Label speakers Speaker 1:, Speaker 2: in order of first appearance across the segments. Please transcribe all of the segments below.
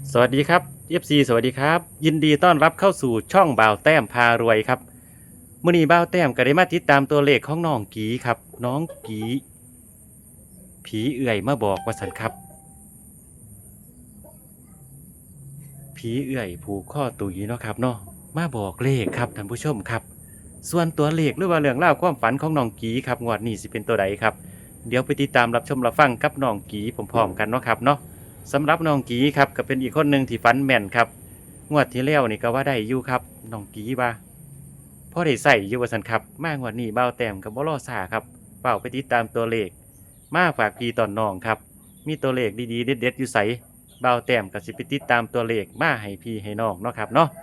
Speaker 1: สวัสดีครับ FC สวัสดีครับยินดีต้อนรับเข้าสู่ช่องบ่าวแต้มพารวยครับมื้อนี้บ่าวแต้มก็ได้มาติดตามตัวเลขของน้องกีครับน้องกีผีเอื่อยมาบอกว่าสันครับผีเอื่อยผูกข้อตุยเนาะครับเนาะมาบอกเลขครับท่านผู้ชมครับส่วนตัวเลขหรือว่าเรื่องเล่าวความฝันของน้องกีครับงวดนี้สิเป็นตัวใดครับเดี๋ยวไปติดตามรับชมรับฟังกับน้องกีพร้อมๆกันเนาะครับเนาะสำหรับน้องกีครับก็เป็นอีกคนหนึ่งที่ฝันแม่นครับ งวดที่แล้วนี่ก็ว่าได้อยู่ครับน้องกีว่าพอได้ใส่อยู่ว่าสันครับมางวดนี้เบ้าแต้มกับบ่รอซ่าครับเป้าไปติดตามตัวเลขมาฝากพี่ตอนน้องครับมีตัวเลขดีๆเด็ดๆอยู่ใสเบ้าแต้มก็สิไปติดตามตัวเลขมาให้พี่ให้น้องเนาะครับเนาะ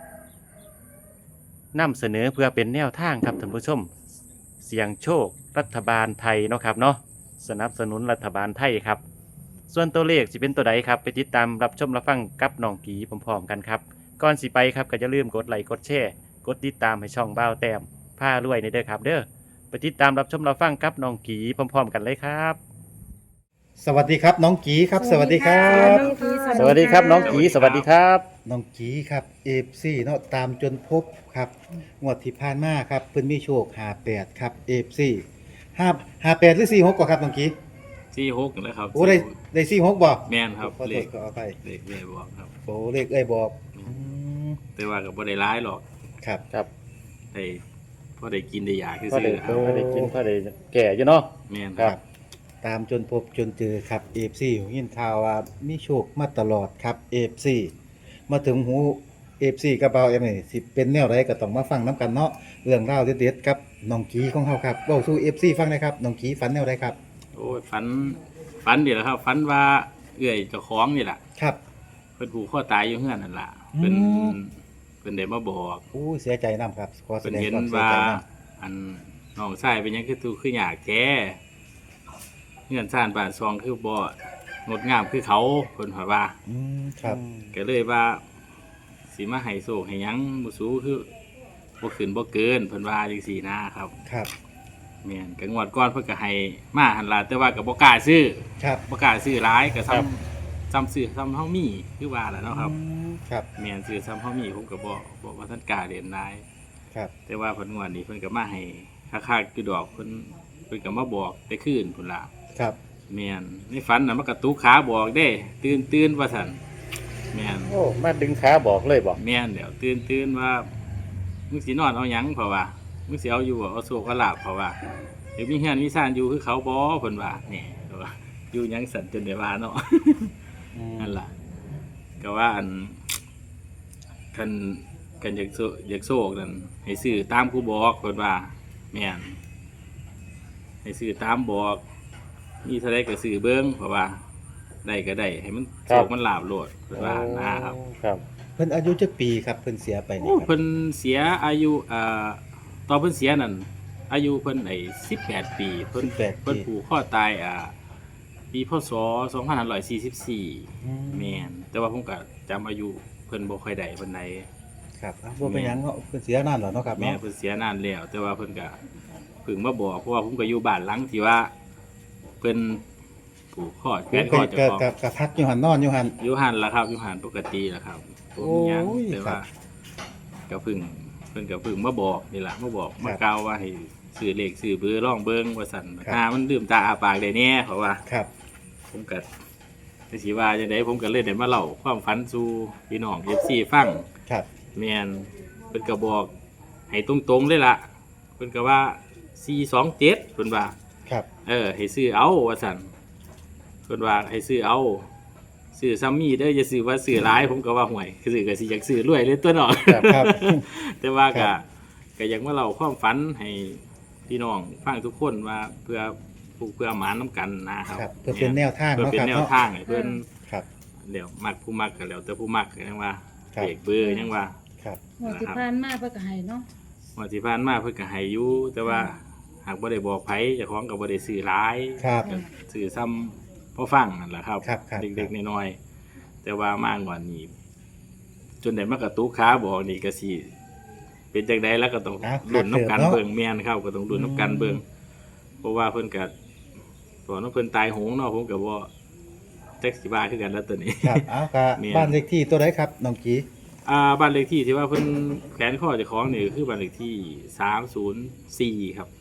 Speaker 1: นำเสนอเพื่อเป็นแนวทางครับท่านผู้ชมเสี่ยงโชครัฐบาลไทยเนาะครับเนาะสนับสนุนรัฐบาลไทยครับส่วนตัวเลขสิเป็นตัวใดครับไปติดตามรับชมรับฟังกับน้องกีพร้อมๆกันครับ ก่อนสิไปครับก็อย่าลืมกดไลค์กดแชร์กดติดตามให้ช่องบ้าวแต้มผ้ารวยในเด้อครับเด้อไปติดตามรับชมรับฟังกับน้องกีพร้อมๆกันเลยครับ
Speaker 2: สวัสดีครับน้องกีครับสวัสดีครับ
Speaker 3: น้องกี
Speaker 1: สวัสดีครับน้องกีสวัสดีครับ
Speaker 2: น้องกีครับเอฟซีเนาะตามจนพบครับงวดที่ผ่านมาครับเพิ่นมีโชค58ครับเอฟซี58หรือ46ก่อนครับน้องกี
Speaker 4: ที่หกแล้วครับ
Speaker 2: โอ้ได้46บ่
Speaker 4: แม่นครับ
Speaker 2: ขอ
Speaker 4: เล
Speaker 2: โทษ
Speaker 4: ข
Speaker 2: ขออภัย
Speaker 4: เลขแม่บอกครับ
Speaker 2: โอ้เลขเอ้ยบอกม
Speaker 4: แต่ว่ากับบ่ได้ร้ายหรอก
Speaker 2: ครับ
Speaker 1: ครับ
Speaker 4: ได้พอได้กินได้อยากคือ
Speaker 1: พอ
Speaker 4: ซื้
Speaker 1: ได้
Speaker 4: อเอา
Speaker 1: พอได้กินพอได้แก่อยู่เนาะ
Speaker 4: แม่น
Speaker 1: ค
Speaker 4: ค
Speaker 1: รั
Speaker 4: รับ บ
Speaker 2: ตามจนพบจนเจอครับเอฟซียินข่าวว่ามีโชคมาตลอดครับเอฟซีมาถึงหูเอฟซีกระเป๋าเอ็มนี่สิเป็นแนวไรก็ต้องมาฟังน้ำกันเนาะเรื่องราวเด็ดๆครับน้องกีของเขาครับเว้าสู่เอฟซีฟังหนะครับน้องกีฝันแนวไรครับ
Speaker 4: โอ้ยฝันเดี๋ยวครับฝันว่าเอื้อยเจ้าของนี่แหละ
Speaker 2: ครับ
Speaker 4: เพิ่นผูกคอตายอยู่เฮือนนั่นล่ะ
Speaker 2: อืม
Speaker 4: เพิ่นได้มาบอก
Speaker 2: อู้เสียใจนํครับขอแส
Speaker 4: เพิ่น
Speaker 2: ดง
Speaker 4: เห็น
Speaker 2: ความเสีย
Speaker 4: ว่า
Speaker 2: ใจนํ
Speaker 4: อันน้องชายเป็นหยังคือตูคืออยากแท้เฮือนซ่านบ้านซองคือบ่งดงามคือเขาเพิ่นว่า
Speaker 2: ครับ
Speaker 4: ก็เลยว่าสิมาให้โศกให้หยังบ่สู้คือบ่ขึ้นบ่เกินเพิ่นว่าจังซี่นะครับ
Speaker 2: ครับ
Speaker 4: แม่นก็งวดก่อนเพิ่นก็ให้มาหั่นล่ะแต่ว่าก็บ่กล้าซื้อ
Speaker 2: ครับ
Speaker 4: บ่กล้าซื้อหลายก็ซ้ำซื้อซ้ำเฮามีคือว่าแหละเนาะครับ
Speaker 2: ครับ
Speaker 4: แม่นซื้อซ้ำเฮามีผมก็บ่ว่าท่านกล้าเล่นหลาย
Speaker 2: ครับ
Speaker 4: แต่ว่าเพิ่นงวดนี้เพิ่นก็มาให้คักๆอยู่ดอกเพิ่นก็มาบอกแต่คืนพุ่นล่ะ
Speaker 2: ครับ
Speaker 4: แม่นในฝันน่ะมันก็ตุกขาบอกเด้ตื่นว่าซั่นแม่น
Speaker 1: โอ้มาดึงขาบอกเลยบอก
Speaker 4: แม่นเดี๋ยวตื่นว่ามึงสินอนเอาหยังเพราะว่ามึงสิเอาอยู่บ่เอาโซกเอาลาบเพราะว่าเดี๋ยวมีเฮือนมีซ่านอยู่คือเขาบ่เพิ่นว่านี่เพราะว่าอยู่หยังสั่นจนได้ว่าเนาะ นั่นล่ะก็ว่าอันกันอยากโซกนั่นให้ซื้อตามกูบอกเพิ่นว่าแม่นให้ซื้อตามบอกมีเท่าใดก็ซื้อเบิ่งเพราะว่าได้ก็ได้ให้มันโซกมันลาบโลดเพิ่นว่านะครับ
Speaker 1: ครับ
Speaker 2: เพิ่นอายุจักปีครับเพิ่นเสียไปนี่
Speaker 4: โอ้
Speaker 2: ครับ
Speaker 4: เพิ่นเสียอายุตอนเพิ่นเสียนั่นอายุเพิ่น18 ปีเพิ่น
Speaker 2: 18
Speaker 4: เพิ่น
Speaker 2: ปี
Speaker 4: ผูกคอตายปีพศ2544แม่นแต่ว่าผมก็จำอายุเพิ่นบ่ค่อยได้ปานใด
Speaker 2: ครับอ่ะบ่เป็นหยังเนาะเพิ่นเสียนานแล้วเนาะครับ
Speaker 4: แม่
Speaker 2: เนาะ
Speaker 4: เพิ่นเสียนานแล้ว แต่ว่าเพิ่นก็เพิ่งมาบอกเพราะว่าผมก็อยู่บ้านหลังที่ว่าเพิ่นผูกคอแขวนคอเจ้าของ
Speaker 2: ก็พักอยู่หันนอนอยู่หัน
Speaker 4: อยู่หันล่ะครับอยู่หันปกติล่ะครับบ่มีหยัง
Speaker 2: โอ้ย
Speaker 4: แต่ว่า
Speaker 2: ครับ
Speaker 4: ก็เพิ่งเพิ่นก็เพิ่งมาบอกนี่ล่ะมาบอก
Speaker 2: ครับ
Speaker 4: มากล่าวว่าให้ซื้อเลขซื้อเบอร์ลองเบิ่งว่าซั่น
Speaker 2: ครับ
Speaker 4: ถ้ามันลืมตาอาปากได้แน่เพราะว่า
Speaker 2: ครับ
Speaker 4: ผมก็สิว่าจังได๋ผมก็เลยได้มาเล่าความฝันสู่พี่น้อง FC ฟัง
Speaker 2: ครับ
Speaker 4: แม่นเพิ่นก็บอกให้ตรงๆเลยล่ะเพิ่นก็ว่า427เพิ่นว่า
Speaker 2: ครับ
Speaker 4: ให้ซื้อเอาว่าซั่นเพิ่นว่าให้ซื้อเอาซื้อซ้ำมีเด้ออย่าซื้อว่าซื้อหลายผมก็ว่าห่วยคือซื้อก็สิอยากซื้อรวยเลยตัวเนาะ
Speaker 2: ครับครับ
Speaker 4: แต่ว่า
Speaker 2: ครั
Speaker 4: ก็
Speaker 2: บ
Speaker 4: ก็อยากมาเล่าความฝันให้พี่น้องฟังทุกคนว่าเพื่อผูกเพื่อหมานน้ำกันนะครับ
Speaker 2: ครับเพื่อเป็นแนวทาง
Speaker 4: เพื่อ
Speaker 2: เนาะ
Speaker 4: เป็น
Speaker 2: ครับ
Speaker 4: แนว
Speaker 2: เนาะ
Speaker 4: ทางให้เพิ่น
Speaker 2: ครับ
Speaker 4: เดี๋ยวมักผู้มักก็แล้วแต่ผู้มักก็ยังว่า
Speaker 2: ครับ
Speaker 4: เอกเบอร์ยังว่า
Speaker 2: ครับ
Speaker 3: หมดที่ผ่านมาเพื่อก็ให้เนาะ
Speaker 4: วันที่ผ่านมาเพิ่นก็ให้อยู่แต่ว่าหากบ่ได้บอกไผเจ้าของก็บ่ได้ซื้อหลาย
Speaker 2: ครับ
Speaker 4: ก็ซื้อซ้ำพอฟังนั่นแหละครับ
Speaker 2: ครับครับ
Speaker 4: เด็กๆน้อยๆแต่ว่ามากกว่านี้จนได้มากระตุกขาบอกนี่ก็สิเป็นจังไดแล้วก็ต้อง
Speaker 2: อ่ะ
Speaker 4: ลุ้นน้ำกัน
Speaker 2: ครับ
Speaker 4: เบิ่งแม่นครับก็ต้องลุ้นน้ำกันเบิ่งเพราะว่าเพิ่นก็ตอนนั้นเพิ่นตายโหงเนาะผมก็บ่จ็คสิบ้าคือกันแล้วตัวนี้
Speaker 2: ครับเอากะ
Speaker 4: แม่น
Speaker 2: บ้านเลขที่ตัวใดครับน้องกี
Speaker 4: บ้านเลขที่ที่ว่าเพิ่นแขวนข้อเจ้าของนี่คือบ้านเลขที่304ครับ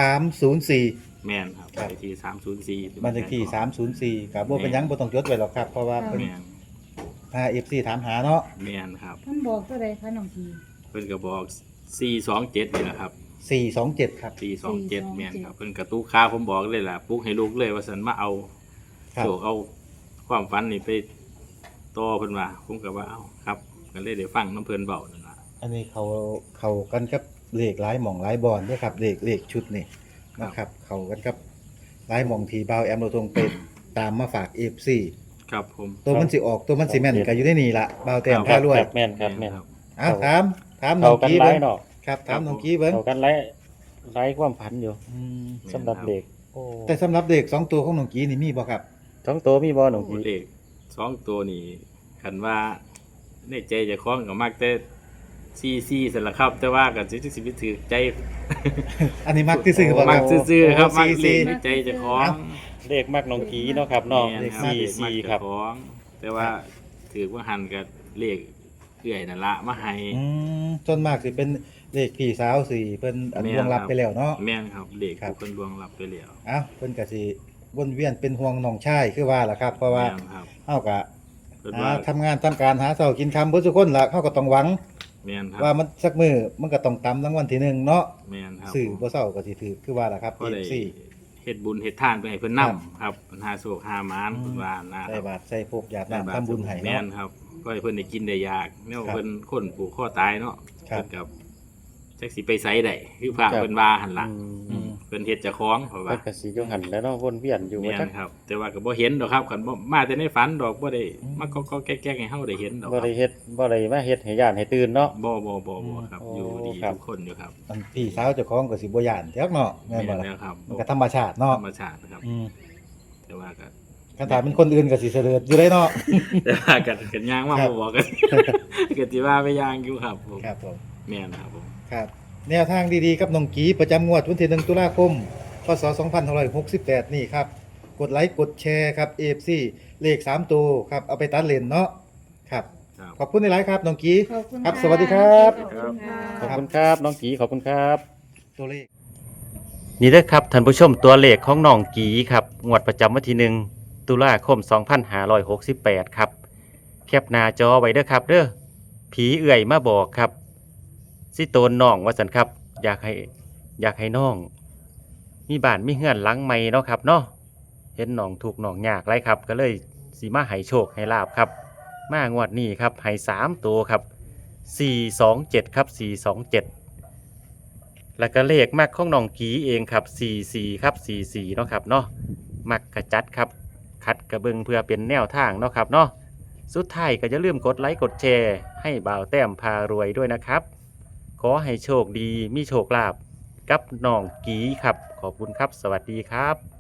Speaker 2: 304
Speaker 4: แม่นครับ
Speaker 2: ครับ
Speaker 4: บ้านเลขที่304
Speaker 2: บ้านเลขที่304ครับบ่เป็นหยังบ่ต้องจดไว้หรอกครับเพราะว่าเพิ่น
Speaker 4: แม่น
Speaker 2: หา FC ถามหาเนาะ
Speaker 4: แม่นครับ
Speaker 3: เพิ่นบอกตัวใดคะน้องกี
Speaker 4: เพิ่นก็บอก427นี่แหละครับ
Speaker 2: 427ครับ
Speaker 4: 427แม่นครับเพิ่นกระตุกขาผมบอกเลยล่ะปลุกให้ลูกเลยว่าซั่นมาเอา
Speaker 2: ครับ
Speaker 4: โชคเอาความฝันนี่ไปต่อเพิ่นว่าผมก็ว่าเอ้าครับก็เลยได้ฟังน้ำเพิ่นเว้านั่นล่ะ
Speaker 2: อันนี้เขากันกับเลขหลายหม่องหลายบอนด้วยครับเลขชุดนี่นะครับเขากันกับหลายหม่องที่บ่าวแอมเราตรงไปตามมาฝาก FC
Speaker 4: ครับผม
Speaker 2: ตัวมันสิออกตัวมันสิแม่นก็อยู่ในนี่ล่ะบ่าวแต้ม
Speaker 1: ครั
Speaker 2: พา
Speaker 1: บ
Speaker 2: รวย
Speaker 1: ครับแม่นครับแม่น
Speaker 4: ครับ
Speaker 2: อ้าวถามน้
Speaker 1: เข้า
Speaker 2: อง
Speaker 1: กัน
Speaker 2: กี้
Speaker 1: หลา
Speaker 2: เบิ่
Speaker 1: ย
Speaker 2: ง
Speaker 1: เนาะ
Speaker 2: ครับถามน้องกี้เบิ่ง
Speaker 1: เข้ากันหลายความพันอยู่สำหรับเด็กโอ้
Speaker 2: แต่สำหรับเด็ก2ตัวของน้องกี้นี่มีบ่ครับ
Speaker 1: ท้องโตมีบ่หนอง
Speaker 4: โอ้
Speaker 1: กี
Speaker 4: เด็ก2ตัวนี่คันว่าในใจเจะคล้าของก็มักแต่ซีซั่นล่ะครับ แต่ว่าก็สิไปถือใจ
Speaker 2: อันนี้มักที่ซื้อบ่ค
Speaker 4: มั
Speaker 2: รั
Speaker 4: ก
Speaker 2: บ
Speaker 4: ซื่อๆครับ
Speaker 2: โ
Speaker 4: มักเลข
Speaker 2: ซี
Speaker 4: ในใจเจะคล้าของ
Speaker 1: เลขมักน้องกีเนาะครับเนาะ
Speaker 4: แม่นครับ
Speaker 1: สี่
Speaker 4: เลขมัก
Speaker 1: สี่
Speaker 4: เจ้า
Speaker 1: ครับ
Speaker 4: ของแต่ว่าถือว่าหันกับเลขเอื้อยนั่นละมาให้
Speaker 2: ส่วนมากสิเป็นเลขพี่สาวสิเพิ่นอันล่วงลับไปแล้วเนาะ
Speaker 4: แม่นครับเลข
Speaker 2: ครับ
Speaker 4: ผู้คนลวงรับไปแล้ว
Speaker 2: อ้าวเพิ่นก็สิวนเวียนเป็นห่วงน้องชายคือว่าล่ะครับ เพราะว่า
Speaker 4: แม่นครับ
Speaker 2: เฮาก็
Speaker 4: เพิ่น
Speaker 2: หา
Speaker 4: ว่า
Speaker 2: ทำงานทำการหาเช้ากินค่ำเบิดทุกคนล่ะเฮาก็ต้องหวัง
Speaker 4: แม่นครับ
Speaker 2: ว่ามันสักมื้อมันก็ต้องตำรางวัลที่หนึ่งเนาะ
Speaker 4: แม่นครับ
Speaker 2: สื่อบ่เช้าก็สิถือคือว่าล่ะครับ
Speaker 4: ก็ได้
Speaker 2: FC
Speaker 4: เฮ็ดบุญเฮ็ดทานไปให้เพิ่น
Speaker 2: ครั
Speaker 4: นํ
Speaker 2: บ
Speaker 4: ครับเพิ่นหาโชคหามานเพิ่นว่านะค
Speaker 2: ใส่
Speaker 4: รับบ
Speaker 2: าตรใส่พวกหยาด
Speaker 4: ได้
Speaker 2: น้ำทำบุญให้
Speaker 4: แม่
Speaker 2: เนาะ
Speaker 4: นครับก็ให้เพิ่นได้กินได้อยากแนว
Speaker 2: ครับ
Speaker 4: เพิ่นคนผูกคอตายเนาะ
Speaker 2: ครับ
Speaker 4: เพิ่นกับจักสิไปไสได้คือพระเพิ่นว่าหั่นล่ะ
Speaker 1: อืม
Speaker 4: เพิ่นเฮ็ดเจ้าของเพราะ
Speaker 1: เพิ่
Speaker 4: ว่า
Speaker 1: นก็สิอยู่หั่นแหล้วเนาะวนเวียนอยู่
Speaker 4: แม่
Speaker 1: ว่าจัก
Speaker 4: นครับ แต่ว่าก็บ่เห็นดอกครับคันบ่มาแต่ในฝันดอกบ่ได้มาก็แก๊กๆให้เฮาได้เห็นดอกค
Speaker 1: บ่
Speaker 4: รับ
Speaker 1: ได้เฮ็ดบ่ได้มาเฮ็ดให้ย่านให้ตื่นเนาะ
Speaker 4: บ่ครับ
Speaker 1: โอ้
Speaker 4: อยู่ดี
Speaker 1: ครับ
Speaker 4: ทุกคนอยู่ครับ
Speaker 2: อันพี่สาวเจ้าของก็สิบ่ย่านจักเนาะแม่นบ่ล่ะ
Speaker 4: แล้วครับ
Speaker 2: มันก็ธรรมชาติเนาะ
Speaker 4: ธรรมชาตินะครับ
Speaker 2: อืม
Speaker 4: แต่ว่าก็
Speaker 2: คันถามเป็นคนอื่นก็สิเสด็จอยู่ได้เนาะ
Speaker 4: แต่ว่ากันย่างมา
Speaker 2: ครับ
Speaker 4: บ่บอกกัน ก็สิว่าไปย่างอยู่ครับผม
Speaker 2: ครับผม
Speaker 4: แม่นครับผม
Speaker 2: ครับ แนวทางดีๆกับน้องกีประจำงวดวันที่1ตุลาคมพศ2568นี่ครับกดไลค์กดแชร์ครับ AFC เลข3ตัวครับเอาไปตัดเลนเนาะครับ
Speaker 4: ครับ
Speaker 2: ขอบคุณในไลฟ์ครับน้องกี
Speaker 3: ขอบคุณ
Speaker 2: ครับ
Speaker 3: ะ
Speaker 2: สวัสดีครับ
Speaker 3: ขอบคุณค่ะ
Speaker 1: ขอบคุณครับน้องกีขอบคุณครับ
Speaker 2: ตัวเลข
Speaker 1: นี่เด้อครับท่านผู้ชมตัวเลขของน้องกีครับงวดประจำวันที่1ตุลาคม2568ครับแคปหน้าจอไว้เด้อครับเด้อผีเอื่อยมาบอกครับสิโตนน้องว่าซั่นครับอยากให้น้อง มีบ้านมีเฮือนหลังใหม่เนาะครับเนาะเห็นน้องถูกข์น้องยากไรครับ ก็เลยสิมาให้โชคให้ลาบครับ มางวดนี้ครับให้3ตัวครับ427ครับ427แล้วก็เลขมักของน้องกีเองครับ44ครับ44เนาะครับเนาะมักกระจัดครับคัดกระเบิงเพื่อเป็นแนวทางเนาะครับเนาะสุดท้ายก็อย่าลืมกดไลค์กดแชร์ให้บ่าวแต้มพารวยด้วยนะครับขอให้โชคดีมีโชคลาภกับน้องกีครับขอบคุณครับสวัสดีครับ